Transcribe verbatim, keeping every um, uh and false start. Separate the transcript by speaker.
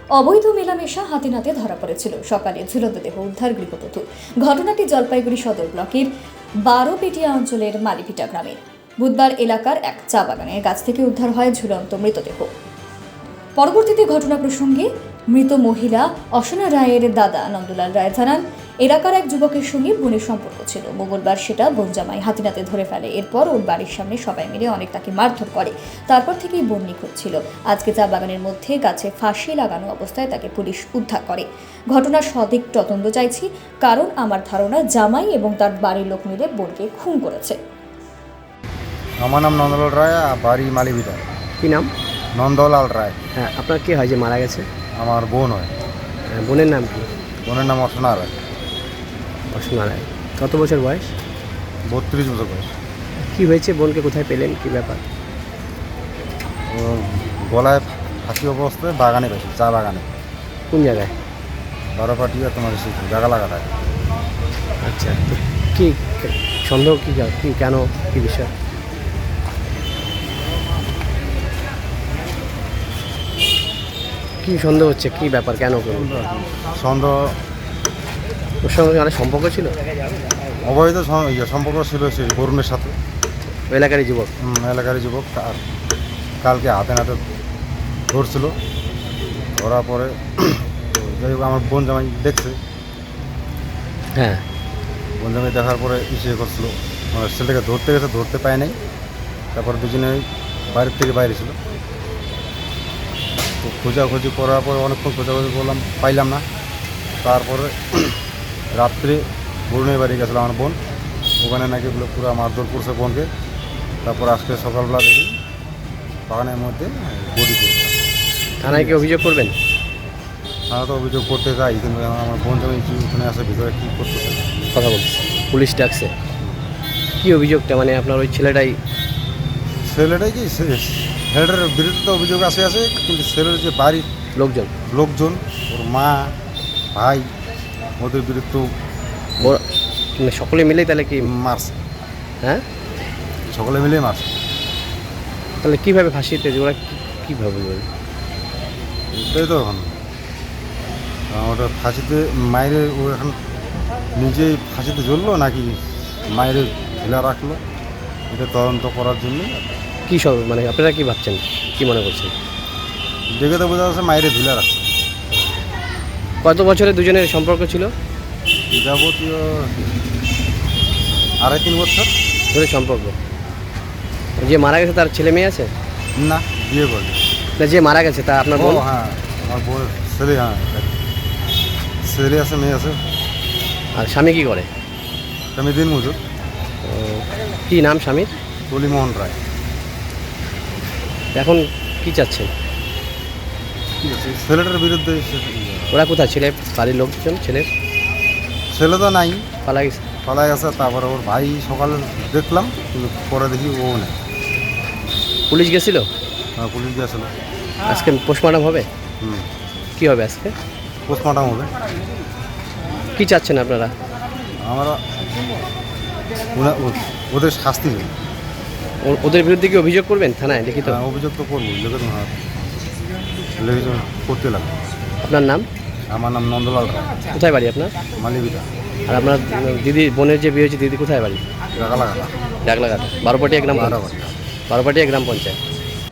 Speaker 1: অবৈধ মেলামেশা হাতে নাতে ধরা পড়েছিল। সকালে ঝুলন্ত দেহ উদ্ধার গৃহবধূ। ঘটনাটি জলপাইগুড়ি সদর ব্লকের বারোপেটিয়া অঞ্চলের মালিপিটা গ্রামের বুধবার এলাকার এক চা বাগানের গাছ থেকে উদ্ধার হয় ঝুলন্ত মৃতদেহ। পরবর্তীতে ঘটনা প্রসঙ্গে মৃত মহিলা অসনা রায়ের দাদা নন্দলাল রায় জানান, এলাকার এক যুবকের সঙ্গে বোনের সম্পর্ক ছিল। মঙ্গলবার সেটা বোন জামাই হাতিনাতে ধরে ফেলে। এরপর ওর বাড়ির সামনে সবাই মিলে অনেক তাকে মারধর করে। তারপর থেকেই বোন নিখোঁজ ছিল। আজকে চা বাগানের মধ্যে গাছে ফাঁসি লাগানো অবস্থায় তাকে পুলিশ উদ্ধার করে। ঘটনার সঠিক তদন্ত চাইছি, কারণ আমার ধারণা জামাই এবং তার বাড়ির লোক মিলে বোনকে খুন করেছে।
Speaker 2: আমার নাম নন্দলাল রায়, বাড়ি মালিবিটা।
Speaker 3: কি নাম?
Speaker 2: নন্দলাল রায়।
Speaker 3: হ্যাঁ, আপনার কে হয় যে মারা গেছে?
Speaker 2: আমার বোন হয়।
Speaker 3: হ্যাঁ, বোনের নাম কি?
Speaker 2: বোনের নাম অসনা রায়।
Speaker 3: অসীমা রায়। কত বছর বয়স?
Speaker 2: বত্রিশ বছর বয়স।
Speaker 3: কি হয়েছে? বোনকে কোথায় পেলেন? কি ব্যাপার?
Speaker 2: ও গলায় ফাঁসি অবস্থায় বাগানে পেয়েছে, চা বাগানে।
Speaker 3: কোন জায়গায়?
Speaker 2: বারোপাটিয়া তোমার সেই জায়গা লাগাটায়।
Speaker 3: আচ্ছা, তো কি সন্দেহ? কি কি কেন? কি বিষয়? কি সন্দেহ হচ্ছে? কি ব্যাপার? কেন করুন?
Speaker 2: সন্দেহ
Speaker 3: ওর সঙ্গে অনেক সম্পর্ক ছিল?
Speaker 2: অবৈধ সম- ইয়ে সম্পর্ক ছিল সেই বরুণের সাথে।
Speaker 3: ওই এলাকারই যুবক?
Speaker 2: হুম, এলাকারই যুবক। আর কালকে হাতে নাতে ধরছিল। ধরার পরে তো যাই হোক আমার বোন জামাই দেখছে।
Speaker 3: হ্যাঁ।
Speaker 2: বোন জামাই দেখার পরে ইসে করছিল, মানে ছেলেটাকে ধরতে গেছে, ধরতে পায় নাই। তারপর দুজনে বাইরের থেকে বাইরে ছিল। তো খোঁজাখুঁজি করার পরে অনেকক্ষণ খোঁজাখুঁজি করলাম, পাইলাম না। তারপরে রাত্রে বরুণের বাড়ি গেছিলাম আমার বোন, ওখানে নাকি বলে পুরো মারধর করছে বোনকে। তারপর আজকে সকালবেলা দেখি বাগানের মধ্যে বডি করছে।
Speaker 3: থানায় কি অভিযোগ করবেন?
Speaker 2: তারা তো অভিযোগ করতে যাই, কিন্তু এখন আমার বোন জামাই কি ওখানে আছে, ভিতরে কী করতেছে
Speaker 3: কথা বলছি, পুলিশ ডাকছে। কি অভিযোগটা? মানে আপনার ওই ছেলেটাই?
Speaker 2: ছেলেটাই কি ছেলেটার বিরুদ্ধে তো অভিযোগ আছে আছে কিন্তু ছেলের যে বাড়ির
Speaker 3: লোকজন
Speaker 2: লোকজন, ওর মা ভাই, ওদের বিরুদ্ধে
Speaker 3: ওর মানে সকলে মিলেই তাহলে কি?
Speaker 2: মারছে।
Speaker 3: হ্যাঁ,
Speaker 2: সকলে মিলেই মারছে।
Speaker 3: তাহলে কীভাবে ফাঁসিতে ওরা কী- কীভাবে বলবেন?
Speaker 2: এটাই তো এখন ওটা ফাঁসিতে মায়ের, ও এখন নিজেই ফাঁসিতে জ্বললো নাকি মায়ের ঢিলা রাখলো, এটা তদন্ত করার জন্য।
Speaker 3: কী সব মানে আপনারা কি ভাবছেন, কি মনে করছেন?
Speaker 2: দেখে তো বোঝা যাচ্ছে মায়ের ঢিলা রাখছে।
Speaker 3: কত বছরে দুজনের সম্পর্ক ছিল?
Speaker 2: যাবতীয় আড়াই তিন বছর।
Speaker 3: ধরে সম্পর্ক? যে মারা গেছে তার ছেলে মেয়ে আছে?
Speaker 2: না, বিয়ে করবে।
Speaker 3: না, যে মারা গেছে তা আপনার
Speaker 2: ও
Speaker 3: বোন?
Speaker 2: হ্যাঁ, আমার বোনের ছেলে। হ্যাঁ, ছেলে আছে, মেয়ে আছে।
Speaker 3: আর স্বামী কি করে?
Speaker 2: আমি দিন মজুর।
Speaker 3: ও, কি নাম স্বামীর?
Speaker 2: টলিমোহন রায়।
Speaker 3: এখন কি চাচ্ছেন?
Speaker 2: ঠিক আছে, ছেলেটার বিরুদ্ধে সে-
Speaker 3: ওরা কোথায়? ছেলে বাড়ির লোকজন ছেলের
Speaker 2: ছেলে তো নাই,
Speaker 3: পালা গেছে?
Speaker 2: পালাই আছে। তারপরে ওর ভাই সকালে দেখলাম, কিন্তু পরে দেখি ও নেই।
Speaker 3: পুলিশ গেছিল?
Speaker 2: হ্যাঁ, পুলিশ গিয়েছিল।
Speaker 3: আজকে পোস্টমর্টম হবে?
Speaker 2: হুম,
Speaker 3: কি হবে আজকে?
Speaker 2: পোস্টমর্টম হবে।
Speaker 3: কি চাচ্ছেন আপনারা?
Speaker 2: আমরা ওনা- ও- ওদের শাস্তি নেই।
Speaker 3: ও- ওদের বিরুদ্ধে কি অভিযোগ করবেন থানায় লিখিত?
Speaker 2: হ্যাঁ, অভিযোগ তো করবো, লেগে হ্যাঁ লেগে করতে লাগবে।
Speaker 3: আপনার নাম?
Speaker 2: আমার নাম নন্দলাল রায়,
Speaker 3: কোথায় বাড়ি আপনার?
Speaker 2: মালিবিটা,
Speaker 3: আর আপনার দিদি বোনের যে বিয়ে হয়েছে দিদি কোথায় বাড়ি?
Speaker 2: টাকা লাগাটা।
Speaker 3: ডাকলাঘাট, বারোপাটিয়া গ্রাম পঞ্চায়েত।
Speaker 2: বারোপাটিয়া।
Speaker 3: বারোপাটিয়া গ্রাম পঞ্চায়েত।